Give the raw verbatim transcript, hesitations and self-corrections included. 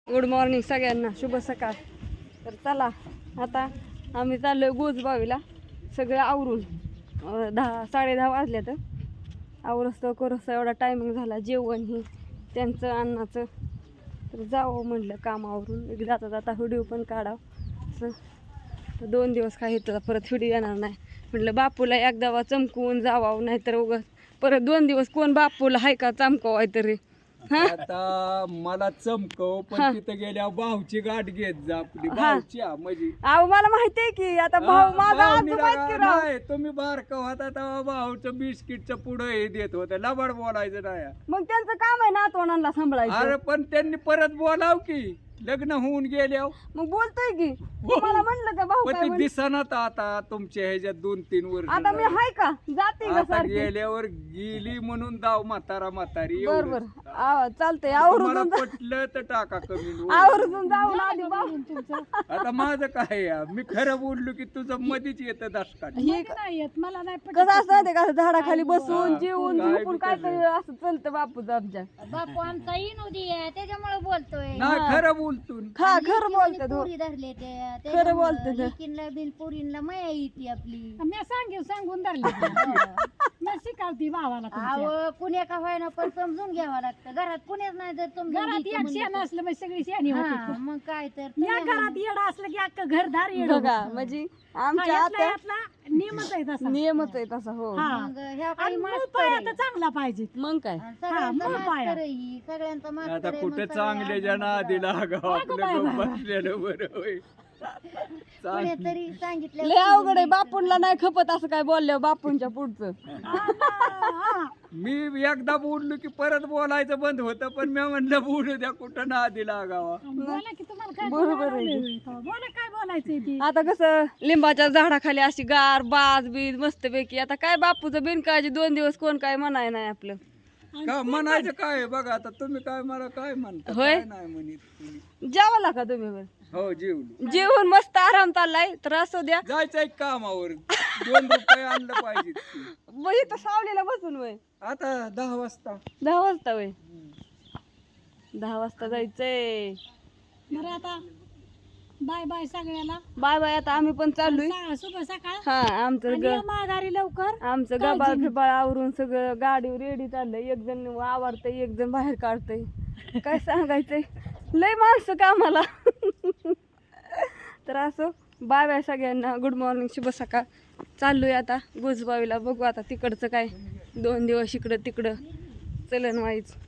Good morning सगळ्यांना, शुभ सकाळ. तर चला आता आम्ही चाललोय गोजबावीला. सगळं आवरून अं, दहा साडे दहा वाजल्या. तर आवरस्तो करस्तो एवढा टायमिंग झाला. जेवण ही त्यांचं अन्नाचं. तर जावं म्हणलं कामावरून, एक जाता जाता व्हिडिओ पण काढावं असं. तर दोन दिवस काय येतं परत व्हिडिओ येणार नाही म्हटलं. बापूला एकदा चमकवून जावावं, नाहीतर उगाच परत दोन दिवस कोण बापूला हाय का चमकवाय तरी. आता मला चमकव पण तिथं गेल्या भाऊची गाठ घेत जा आपली भाऊची हा, म्हणजे अहो मला माहिती आहे की आता भाऊ माझा आजोबा आहेत की राव. नाही तुम्ही बारका होता तेव्हा भाऊचं बिस्किटचं पुढं हे देत होतं, लबाड बोलायचं नाही. मग त्यांचं काम आहे नातवंडांना सांभाळायचं. अरे पण त्यांनी परत बोलाव की लग्न होऊन गेल्यावर. मग बोलतोय की मला म्हणलं का भाऊ पण काय ते म्हण- दिसणार आता तुमच्या ह्याच्यात दोन तीन वर्ष आता मी झाली. हाय का जाते का आता सारखी. गेल्यावर गेली म्हणून दाव म्हातारा म्हातारी बर एवढंच. बर आव- चालतंय तुम्हाला आवरून जा- पटलं तर टाका कमी. आवरून जाऊन आधी भाऊ आता माझं काय आहे? मी खरं बोललो की तुझं मधीच येतं दशकात. हे मला नाही कसं असतं माहितीये का, असं झाडाखाली बसून हा, जेवून काय झोपून बी काय कसं. तरी असं चलतं बापूचं आमच्या. बापू आमचा इनोदी आहे त्याच्यामुळे बोलतोय. नाही खरं बोलतो. हा खरं बोलतात हो. पुरी धरले ते खरं बोलतात. लेकीनला बिन पुरीनला माया येते आपली. मी सांगेल सांगून धरली मी शिकावती भावाला तुमच्या. अहो कुण्या का व्हायना पण समजून घ्यावं लागतं. घरात कुण्याच नाही जर समजून घरात घ्यायचं एक म्हणलं शेण तर- असलं म्हणजे सगळी शेणी हा, होती. मग काय तर या तुम्ही घरात येड असलं की अख्खं घरदार येड बघा म्हणजे आमच्या आत्या नियमच आहे तसा. नियमच आहे तसा हो. हा. मग ह्या आणि काही मूळ मास्तर पाया आहे. तर चांगला पाहिजे. मग काय सगळ्यांचा मूळ पाया. मास्तर आहे ही, सगळ्यांचा मास्तर आता आहे, कुठे मग चांगले सगळे जण आधी लागाव आपलं बाय, गप्प बाय. बसलेलं बरं होय. चांग- कुणीतरी सांगितलं लय अवघड आहे. बापूंला नाही खपत असं काय बोलल्या बापूंच्या पुढचं. हा. मी एकदा बोललो की परत बोलायचं बंद होतं, पण मी म्हणलं बोलू द्या कुठं ना आधी लागावा. बोला की तुम्हाला काय बरोबर आहे. बोलायला बोला काय बोलायचंय ती. आता कसं लिंबाच्या झाडाखाली अशी गार बाज बीज मस्तपैकी. आता काय बापूचं बिनकाळजी दोन दिवस कोण काय म्हणाय नाही आपलं. का म्हणायचं काय आहे? बघा आता तुम्ही काय मला काय म्हणता होय? काय नाही म्हणत तुम्ही. जेवायला का तुम्ही बरं? हो जेवलो. जेवून मस्त आराम चाललाय तर असू द्या. जायचं एक कामावर दोन रुपये आणलं पाहिजे. मग इथं सावलीला बसून वय आता दहा वाजता दहा वाजता वय दहा वाजता जायचंय. बरं आता बाय बाय सगळ्याला. Bye bye. आता आम्ही पण चाललोय. सा- शुभ सकाळ. हा आमचं आणि ग या माघारी लवकर. आमचं गबाळ फिबाळ आवरून सगळं गाडीवर रेडी चाललंय. एक जण आवडतंय, एक जण बाहेर काढतंय. काय सांगायचंय, लय माणसं कामाला. तर असं बाय बाय सगळ्यांना. गुड मॉर्निंग, शुभ सकाळ. चाललोय आता गोजबावीला. बघू आता तिकडचं काय, दोन दिवस इकडं तिकडं चलन वाईच.